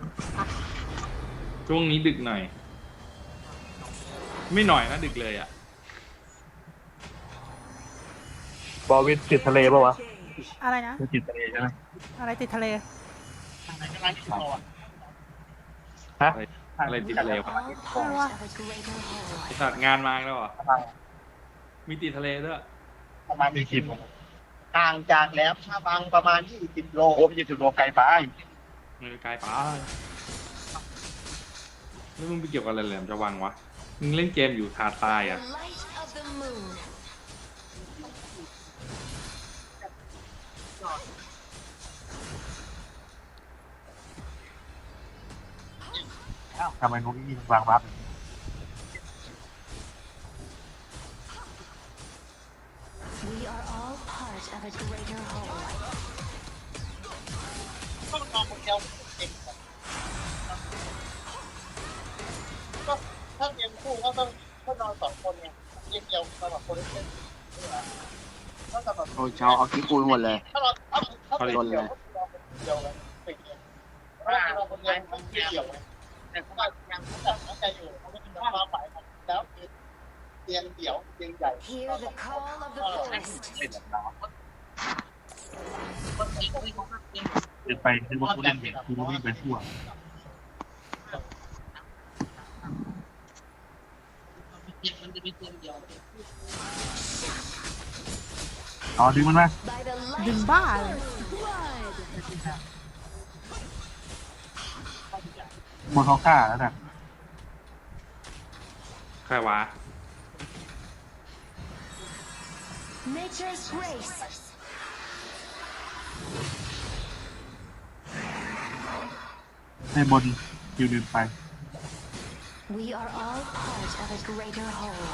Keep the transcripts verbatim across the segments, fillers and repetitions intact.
ช่วงนี้ดึกหน่อย ไม่หน่อยนะดึกเลยอ่ะบอวินติดทะเลป่าวะอะไรนะไม่ติดทะเลใช่ไหมอะไรติดทะเลฮะอะไรอะไรติดทะเลวะไม่รู้ว่าไอสัตว์งานมาแล้วเหรอมีติดทะเลด้วยประมาณมีสิบห่างจากแหลมฉบังประมาณยี่สิบโลโอ้ยี่สิบโลไกลไปมือไกลไปแล้วมึงไปเกี่ยวกับอะไรแหลมจะวังวะมึงเล่นเกมอยู่ทาตายอ่ะทำไมนุ้ยวางบัฟต้องนอนคนเดียวเองก็ถ้าเรียนคู่ก็ต้องก็นอนสองคนไงเรียนเดียวสำหรับคนเล่นถ้าสำหรับโอ้ยชาวเอาขี้ปูนหมดเลยถ้าเราถ้าถ้าเป็นเดียวก็นอนคนเดียวเลยเป็นเดียวถ้าเราคนเดียวมันไม่เกี่ยวแต่เขาก็ยังจับน้ำใจอยู่เขาไม่มีน้ำมาฝ่ายแล้วเตียงเดี่ยวเตียงใหญ่ Hear the call of the forest. เดินไปนึกว่ากูเล่นเห็นกูวิ่งไปทั่วอ๋อดึงมันมา By the ดึง light บ้า of เลย the blood. บนเขาฆ่าแล้วน่ะใครวะ Nature's grace. ในบนคิวเดินไป We are all part of a greater whole.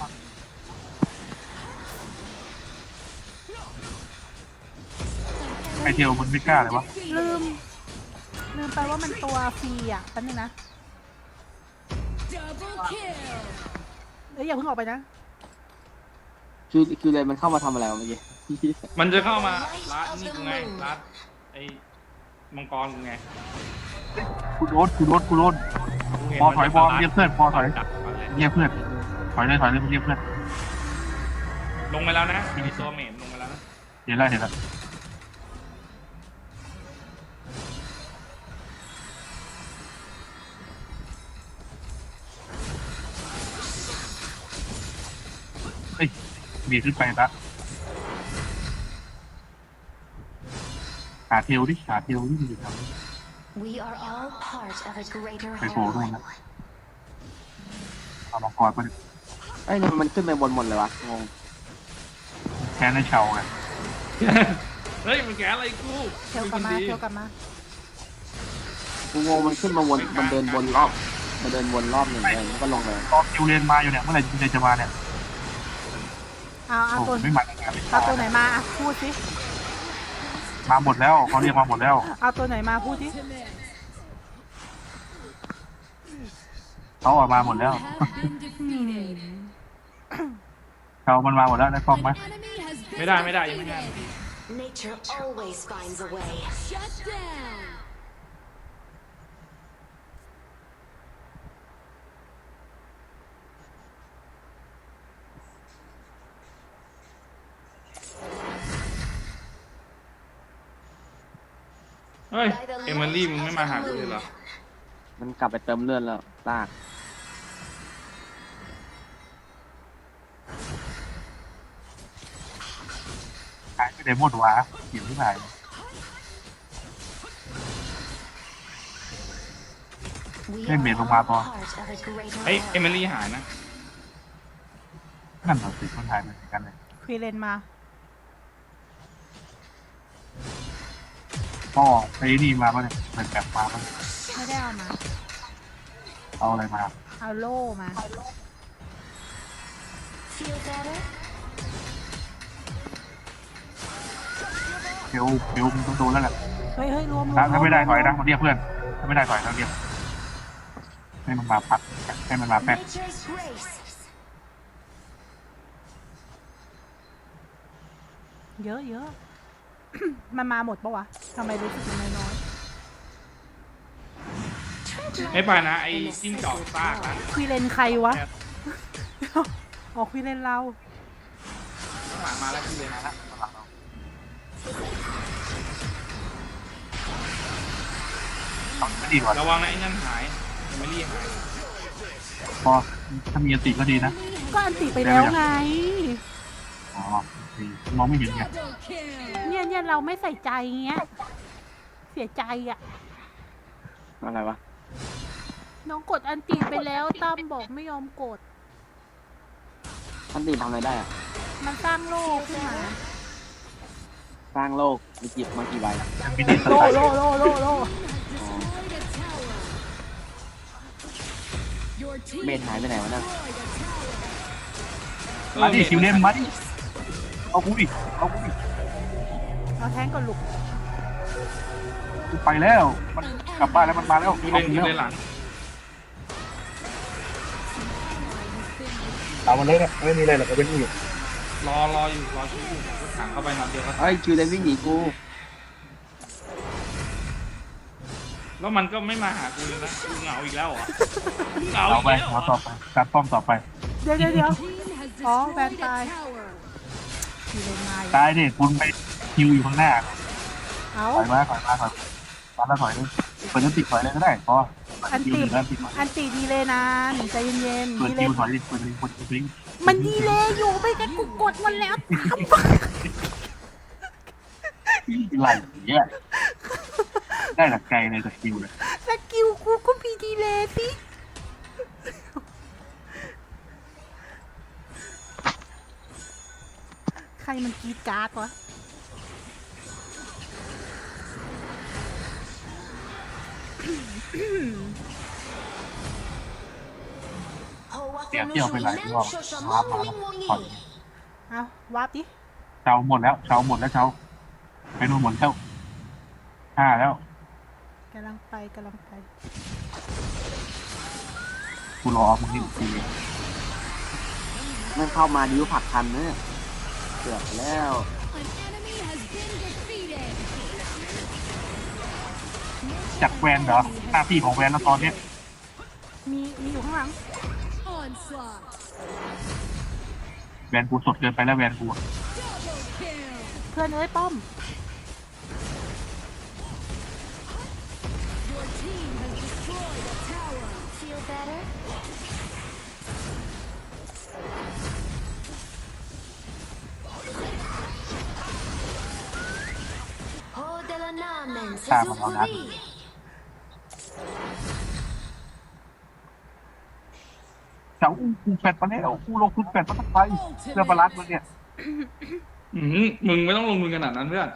ไอเทลมันไม่กล้าเลยวะลืม ลืมไปว่ามันตัวฟรีอ่ะแป๊บนึงนะเอ้ยอย่าเพิ่งออกไปนะคิวคิวเลยมันเข้ามาทำอะไรวะเมื่อกี้มันจะเข้ามารัดนี่กูไงรัดไอ้มังกรกูไงกูโดนกูโดนกูโดนกูเห็นพอถอยมันจะพอรัดเรียกเพื่อนพอถอยจับมันเลยเรียกเพื่อนถอยเลยถอยเลยเรียกเพื่อนลงไปแล้วนะมีตัวเหม็นลงไปแล้วนะเห็นแล้วเห็นแล้วเฮ้ยบีขึ้นไปละหาเทลดิหาเทลดิมันอยู่แถวนี้ We are all part of a greater ไปโผล่ตรง whole. นั้นเอามังกรไปดิไอ้ยนี่มันขึ้นไปบนหมดเลยวะงงแค้นให้เชาไงเฮ้ยมันแกอะไรกูเทลกลับมา เทลกลับมากูงงมันขึ้นมาวนมันเดินวนรอบมันเดินวนรอบหนึ่งเลยแล้วก็ลงเลยรอคิวเรียนมาอยู่เนี่ยเมื่อไหร่คิวเรียนจะมาเนี่ยเอาเอาโอ้ตัวไม่มาตั้งนานเลยเอาตัวไหนมาอ่ะพูดสิมาหมดแล้วเขาเรียกมาหมดแล้วเอาตัวไหนมาพูดสิเขาออกมาหมดแล้วเขามันมาหมดแล้วได้กล้องไหมไม่ได้ไม่ได้ยังไม่ได้ Nature always finds a way. Shut down. เฮ้ยเอมิลี่มึงไม่มาหากูเลยเหรอมันกลับไปเติมเลือดแล้วลากหายไปไหนหมดวะเขียวที่ไหน We Cái are miệng all của bà bò. part of a greater เฮ้ย whole. เอมิลี่หายนะนั่นเหรอสิคนไทยเหมือนกันเลยควีเลนมาพ่อไปนี่มาป่ะเนี่ยเหมือนแบบมาป่ะไม่ได้เอามาเอาอะไรมาเอาโล่มา Feel better? เทลเทลมึงต้องโดนแล้วแหละเฮ้ยเฮ้ยรวมรวถ้าม ถ้าไม่ได้ถอยนะมันเรียกเพื่อนถ้าไม่ได้ถอยเราเรียกให้มันมาปัดให้มันมาแป๊ก Nature's grace. เยอะเยอะ มันมาหมดปะวะทำไมรู้สึกมันน้อยๆไม่ไปนะไอ้จิ้งจอกซากนะควีเลนใครวะอ๋อควีเลนเราข้างหลังมาแล้วพี่เลยนะต้องไม่ดีกว่าระวังนะไอ้นั่นหายไม่รีหายพอถ้ามีอันติก็ดีนะก็อันติไปแล้วไงอ๋อโอเคมองไม่เห็นไงเนี่ยเนี่ยเราไม่ใส่ใจเงี้ย เสียใจอ่ะอะไรวะน้องกดอันติไปแล้วตั้มบอกไม่ยอมกดท่านตีทำอะไรได้อะมันสร้างโลกขึ้นมาสร้างโลกมีจิบมากี่ใบยังไม่ได้สโลไตล์โลโลโลโลเบนหายไปไหนวะเนี่ยเออมาดิคิวเล่นมาดิเอากูดิเอากูดิเอาแทงก่อนลูกกูไปแล้วมันกลับบ้านแล้วมันมาแล้วพี่เอาเล่นกูพี่แล้วเล่นหลังเอามันเลยนะไม่มีอะไรหรอกก็เป็นอยู่รอรออยู่รอชิวอยู่ก็ถังเข้าไปนัดเดียวก็เฮ้ยคิวเลนวิ่งหนีกูแล้วมันก็ไม่มาหากูเลยนะกูเหงาอีกแล้วเหรอเหงาเอาอีกไปแล้วเหรเอาอต่อไปการป้อมต่อไปเดี๋ยวเดี๋ยวเดี๋ยวอ๋อแบนตายควีเลนมาอีกตายดิคุณไปคิวอยู่ข้างหน้าเอาถอยมาถอยมาถอยมาแล้วถอยเลยเปิดน้ำติดถอยเลยก็ได้พออันคิวติหนึ่งแล้วติดถอยอันติดีเลยนานใจเย็นๆเปิดดีเลคิยวถอยดิเปิดคิวเปิดคิวมันดีเลยอยู่ไม่กันกูกดมันแล้วตามไหลเนี่ยได้หลักไกลเลยจากคิวเลยสกิลกูก็มีดีเลยสิใครมันกรีดการ์ดวะเสียเที่ยวไปหลายรอบมามาแล้วถอยเอาวาร์ปดิเช้าหมดแล้วเช้าหมดแล้วเช้าไปนู่นหมดแล้วห้าแล้วกำลังไปกำลังไปกูรอมึงนี่อีกทีไม่เข้ามาดิ้วผลักทันเนี่ยเกือบไปแล้วจากแวนเหรอหน้าที่ของแวนแล้วตอนเนี้ยมีมีอยู่ข้างหลังแวนกูสดเกินไปแล้วแวนกูเพื่อนเอ้ยป้อม Feel better? Hold the namen, ตามมาแล้วนะ Suzuri. เจ้าอู้กูแฟดมาแล้วกูลงทุนแฟดมาตั้งไปเรื่องบาลานซ์มันเนี่ยอืมมึงไม่ต้องลงทุนขนาดนั้นเพื่อน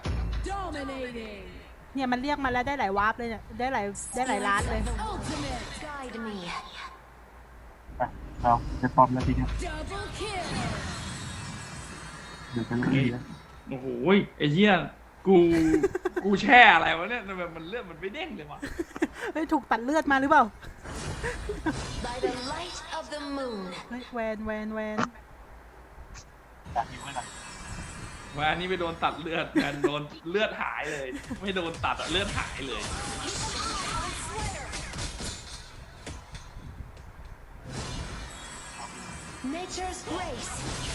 เนี่ยมันเรียกมาแล้วได้หลายวาร์ปเลยเนี่ยได้หลายได้หลายล้านเลย Guide me. ไปเราจะปลอมแล้วทีเนี้ยเดี๋ยวจะเรียกโอ้โหไอ้เหี้ยกูกูแช่อะไรวะเนี่ยทำไมมันเลือดมันไม่เด้งเลยวะเฮ้ยถูกตัดเลือดมาหรือเปล่า By the light of the moon. เฮ้ยแวนแวนแวนอยากอยู่ไหมล่ะวันนี้ไปโดนตัดเลือดกันโดนเลือดหายเลย ไม่โดนตัดอะเลือดหายเลย Nature's grace.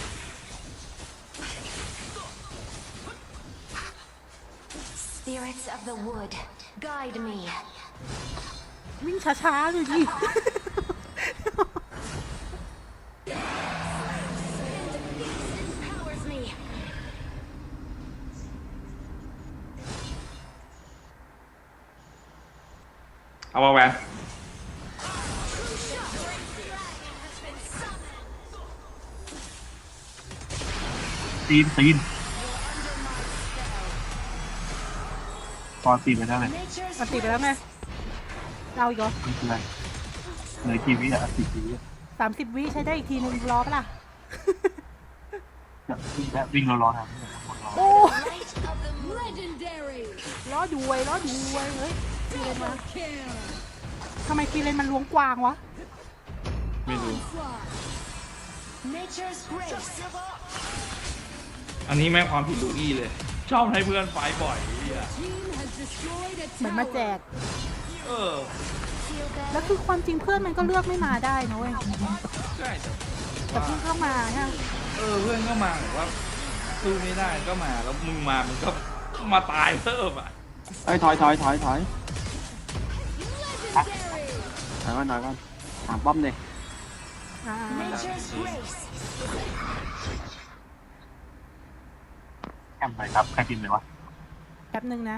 Spirits of the wood, guide me. วิ่งช้าๆเลยดิ Powers me. เอามาแวนตีนตีนตอนตีนไปแล้วเลย Nature's มันติดไปแล้วไงเราอีกเหรอไม่เป็นไรเหลือกี่วิอ่ะสิบวิอ่ะสามสิบวิใช้ได้อีกทีนึงรอปะล่ะจะวิ่งแล้ววิ่งรอรอทำเนี่ยหมดรอโอ้ light of the moon. ล้อดูไว้ล้อดูไว้เฮ้ยคีเลนมาทำไมคีเลนมันล้วงกวางวะไม่รู้ Nature's grace. อันนี้แม่งความผิดลูอี้เลย ชอบให้เพื่อนไฟบ่อยไอ้เหี้ยเหมือนมาแจกเออ Feel แล้ว better? คือความจริงเพื่อนมันก็เลือกไม่มาได้นะเว้ยใช่แต่แต่เพิ่งเข้ามาใช่ไหมเออเพื่อนก็มาแบบว่าสู้ไม่ได้ก็มาแล้วมึงมามึงก็มาตายเพิ่มอ่ะเอ้ยถอยถอยถอยถอยถอยก่อนถอยก่อนถามป้อมเลยอ่า Nature's grace. แคมไปครับใครบินเลยวะแป๊บนึงนะ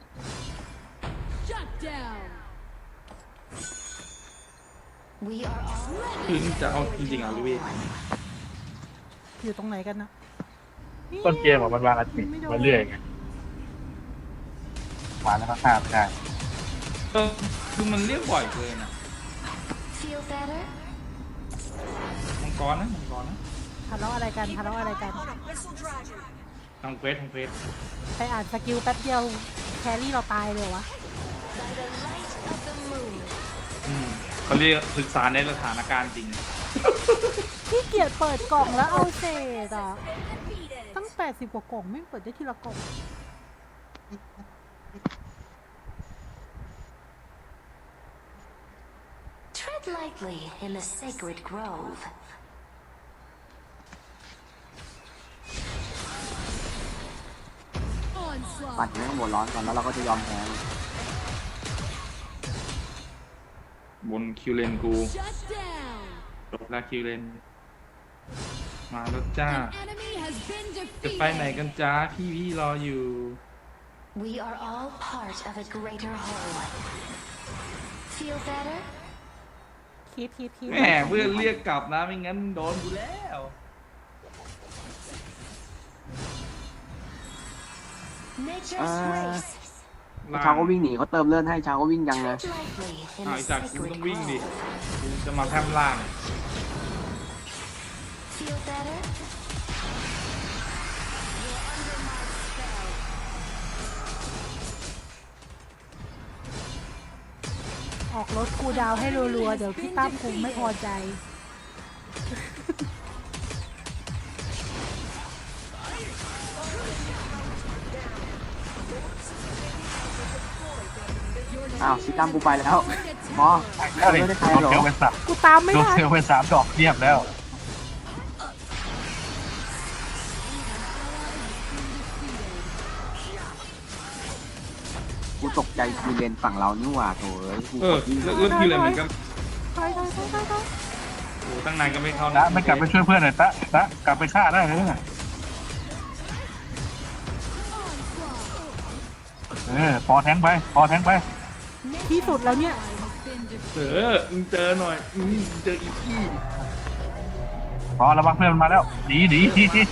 We are all คือจะเอาจริงๆอ่ะลุยอยู่ตรงไหนกันนะต้นเกมอะมันวางอันติมาเรื่อยไงวางแล้วก็ฆ่าไม่ได้เออคือมันเรียกบ่อยเกินอ่ะ feel better? มังกรนะมังกรนะทะเลาะอะไรกันทะเลาะอะไรกันทางเควสทางเควสไปอ่านสกิลแป๊บเดียวแครี่เราตายเลยเหรอวะ By the light of the moon. อืมเขาเรียกศึกษาในสถานการณ์จริงขี้เกียจเปิดกล่องแล้วเอาเศษอ่ะ ตั้งแปดสิบกว่ากล่องไม่เปิดได้ทีละกล่อง Tread lightly in the sacred grove. ปัดให้หัวร้อนก่อนแล้วเราก็จะยอมแพ้บนคิวเลนกูจบแล้วคิวเลน มาแล้วจ้า จะไปไหนกันจ้าพี่พี่รออยู่ We are all part of a greater whole. Feel better? คิดคิดคิดแหมเพื่อนเรียกกลับนะไม่งั้นโดนกูแล้ว Nature's grace. ชาวก็วิ่งหนีเขาเติมเลือดให้ชาวก็วิ่งยังไง Tread lightly in อ้าว the ไอ้จากกู sacred ต้องวิ่งดิ grove. กูจะมาแพร่มล่าง Feel better? ออกรถคูลดาวน์ให้รัวๆ เดี๋ยวพี่ตั้มคงไม่พอใจอ้าวซิตั้มกูไปแล้วพอแล้วเลยไม่ได้ใครโดนหรอเซลไปสับกูตามไม่โดนได้เซลไปสามดอกเรียบแล้วกูตกใจกูเลนฝั่งเรานี่หว่าโถเอ้ยกูเอก อดวิ่งเรื่องคิวเลนมันก็ถอยถอยถอยถอยถอยโอ้ตั้งนานก็ไม่เข้านะไม่กลับไปช่วยเพื่อนเลยตะตะกลับไปฆ่าได้เลยนะเออพอแทงไปพอแทงไปที่สุดแล้วเนี่ยเออมึงเจอหน่อยอืมมึงเจออีกที่พอระวังเพื่อนมันมาแล้วหนีหนี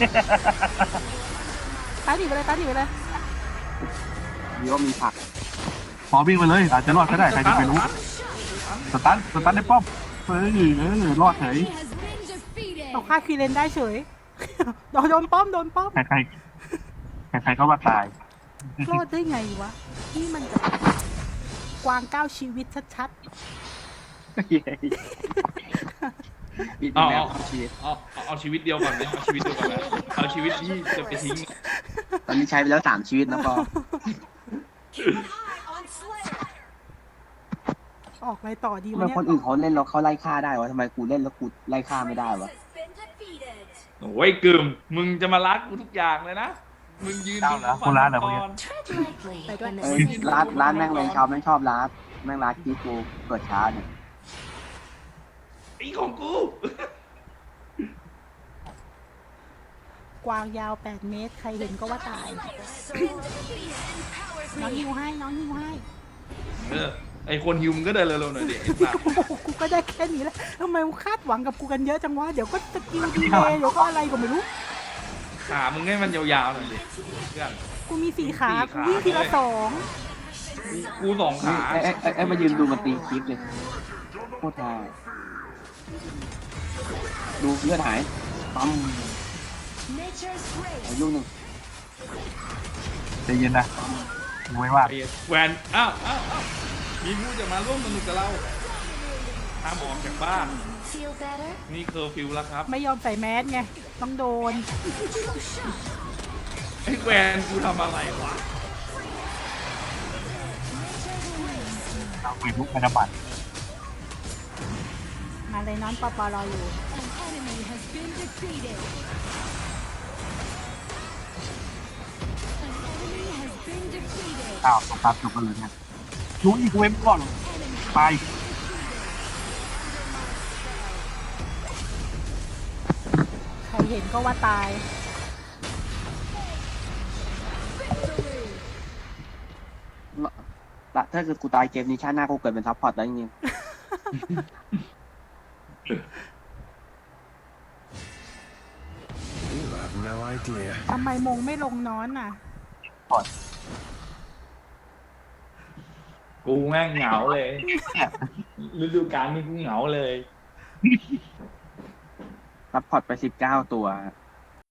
ตายหนีไปเลยตายหนีไปเลยมีว่ามีผักพอวิ่งไปเลยอาจจะรอดก็ได้ใครจะไปรู้สตันสตันได้ป้อมเออเออรอดเฉยเราฆ่าคีเลนได้เฉย โดนโดนป้อมโดนป้อมใครใครใครใครก็ว่าตายรอดได้ไงวะ นี่มันแบบกวางก้าวชีวิตชัดปิดเอาแล้เอาวเอาชีวิตเอาเอาเอาชีวิตเดียวก่อนนะเอาชีวิตเดียวก่อนนะเอาชีวิตที่จะไปทิ้งตอนนี้ใช้ไปแล้วสามชีวิตนะพอๆ ออกอะไรต่อดีทำวะไมเนี่ยคนอื่นเขาเล่นแล้วเขาไล่ฆ่าได้วะทำไมกูเล่นแล้วกูไล่ฆ่าไม่ได้วะโอ้ยกึมมึงจะมารักกูทุกอย่างเลยนะ มึงยืนเจ้าเหรอคนร้านเหรอพวกเนี้ย Tread lightly in the เอ้ย sacred ร้านร้านแม่ง grove. แรงชาวแม่งชอบร้านแม่งร้านที่กูเปิดช้าเนี่ยไอ้ของกูกวางยาวแปดเมตร ใครเห็นก็ว่าตาย น้องฮิวให้ น้องฮิวให้เออไอคนฮิวมึงก็เดินเร็วๆหน่อยดิไอ้สัสโอ้โหกูก็ได้แค่นี้แหละทำไมมึงคาดหวังกับกูกันเยอะจังวะ เดี๋ยวก็สกิลดีเลยเดี๋ยวก็อะไรก็ไม่รู้ขามึงให้มันยาวๆหน่อยดิเพื่อนกูมีสี่ขาสี่กูขาวิ่งทีละสองกูสองขาไอ้ไอ้ไอ้ไอ้มายืนดูมันตีคลิปเลยโคตรท่าดูเลือดหายปั๊ม Nature's grace. อายุหนึ่งใจเย็นนะกูไม่ว่าไอ้แวนอ้าวอ้าวอ้าวมีผู้จะมาร่วมสนุกกับเราห้ามออกจากบ้าน Feel better? นี่เคอร์ฟิวแล้วครับไม่ยอมใส่แมสไง ต้องโดนไอ้แวนกูทำอะไรวะเอาไปลุกธนบัตรมาเลยน้อนปอปอรออยู่ An enemy has been defeated. An enemy has been defeated. อ้าวสตาร์ทจบกันเลยเนี่ยรู้อีกเว็บก่อนไปใครเห็นก็ว่าตายละถ้าเกิดกูตายเกมนี้ชาติหน้ากูเกิดเป็นซัพพอร์ตได้จริง You have no idea. ทำไมมงไม่ลงน้อนน่ะกูแม่งเหงาเลยฤดูกาลนี้กูเหงาเลยซัพพอร์ตไปสิบเก้าตัวอ